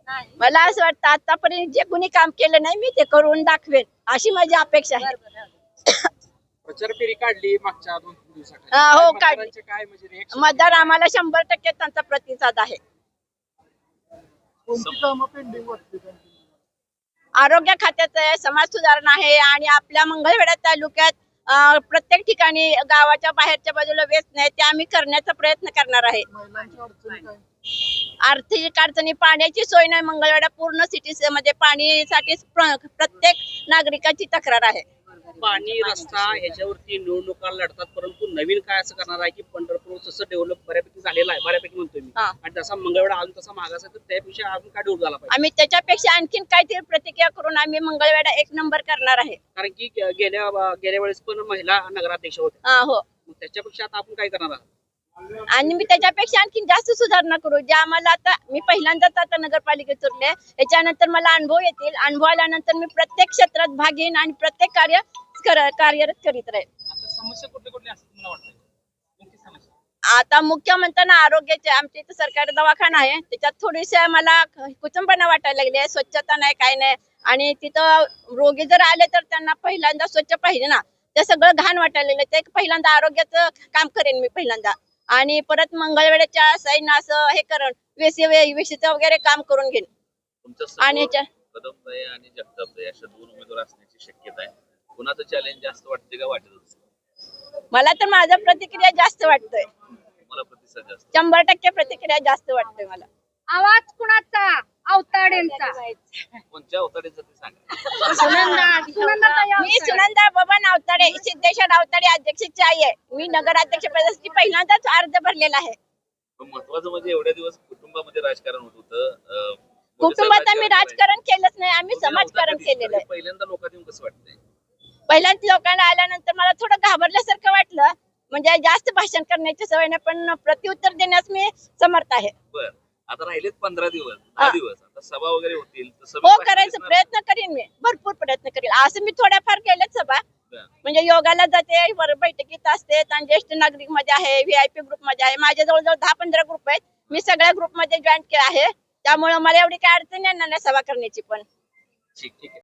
मला असं वाटतं आतापर्यंत जे कोणी काम केलं नाही मी ते करून दाखवेन अशी माझी अपेक्षा आहे. प्रचार फेरी काढली मागच्या 2-3 दिवसात. हो काढली. काय म्हणजे reaction? मतदार आम्हाला 100% त्यांचा प्रतिसाद आहे. कोणती कामं पेंडिंग वाटते त्यांची? आरोग्य खात्याचं आहे, समाज सुधारणा आहे आणि आपल्या मंगळवेढा तालुक्यात प्रत्येक ठिकाणी गावाच्या बाहेरच्या बाजूला व्यस्त नाही ते आम्ही करण्याचा प्रयत्न करणार आहे. महिलांच्या अडचणी काय? आर्थिक अडचणी, पाण्याची सोय नाही मंगळवेढा पूर्ण सिटी मध्ये पाणीसाठी प्रत्येक नागरिकाची तक्रार आहे. पाणी रस्ता ह्याच्यावरती निवडणुका लढतात, परंतु नवीन काय असं करणार आहे की पंढरपूर जसं डेव्हलप बऱ्यापैकी झालेलं आहे, बऱ्यापैकी म्हणतोय मी, आणि तसा मंगळवेढा अजून तसा मागास आहे, तर त्यापेक्षा अजून काय डेव्हलप झाला पाहिजे? आम्ही त्याच्यापेक्षा आणखीन काहीतरी प्रतिक्रिया करून आम्ही मंगळवेढा 1 नंबर करणार आहे. कारण की गेल्या वेळेस पण महिला नगराध्यक्ष होत्या. हो मग त्याच्यापेक्षा आता आपण काय करणार आहोत? आणि मी त्याच्यापेक्षा आणखी जास्त सुधारणा करू. ज्या आम्हाला आता मी पहिल्यांदाच आता नगरपालिकेत उरले, याच्यानंतर मला अनुभव येतील. अनुभव आल्यानंतर मी प्रत्येक क्षेत्रात भाग घेईन आणि प्रत्येक कार्यरत करीत राहील. आता समस्या कुठल्या कुठल्या असतात मला वाटतं? मुख्य समस्या आता मुख्य म्हणताना आरोग्याचे आमच्या इथं सरकारी दवाखाना आहे, त्याच्यात थोडीशी मला कुचंबना वाटायला लागली आहे. स्वच्छता नाही, काय नाही. आणि तिथं रोगी जर आले तर त्यांना पहिल्यांदा स्वच्छ पाहिजे ना, ते सगळं घाण वाटायला लागलं. ते पहिल्यांदा आरोग्याचं काम करेन मी पहिल्यांदा, आणि परत मंगळवेढ्याच्या साईन असं हे करण वेशीचं वगैरे काम करून घेईन. आणि कदमताई आणि जगतापताई अशा 2 उमेदवार असण्याची शक्यता आहे. कुणाचं चॅलेंज जास्त वाटते का वाटत? मला तर माझा प्रतिक्रिया जास्त वाटतोय. मला प्रतिसाद जास्त 100% प्रतिक्रिया जास्त वाटतोय मला. आवाज कुणाचा? अवताडेंचा. कोणत्या अवताराचं ते सांगा. मी सुनंदा बबन अवताडे, सिद्धेश्वर अवताडे अध्यक्षाची आई आहे. मी नगराध्यक्ष पदासाठी पहिल्यांदाच अर्ज भरलेला आहे. पण महत्वाचं म्हणजे एवढ्या दिवस कुटुंबामध्ये राजकारण होत होतं. कुटुंबात आम्ही राजकारण केलंच नाही, आम्ही समाजकारण केलेलं आहे. पहिल्यांदा लोकांना येऊन कसं वाटतंय? पहिल्यांदा लोकांना आल्यानंतर मला थोडं घाबरल्यासारखं वाटलं. म्हणजे जास्त भाषण करण्याची सवय नाही, पण प्रत्युत्तर देण्यास मी समर्थ आहे. बर, आता राहिलेत 15 दिवस, 10 दिवस. आता सभा वगैरे होतील तर हो, करायचा प्रयत्न करीन मी, भरपूर प्रयत्न करीन. असं मी थोड्याफार केल्याच सभा. म्हणजे योगाला जाते, बैठकीत असते, आणि ज्येष्ठ नागरिक मध्ये आहे, VIP ग्रुप मध्ये आहे. माझ्या जवळजवळ 10-15 ग्रुप आहेत. मी सगळ्या ग्रुप मध्ये जॉईन केला आहे, त्यामुळे मला एवढी काय अडचण येणार नाही सभा करण्याची. पण ठीक आहे.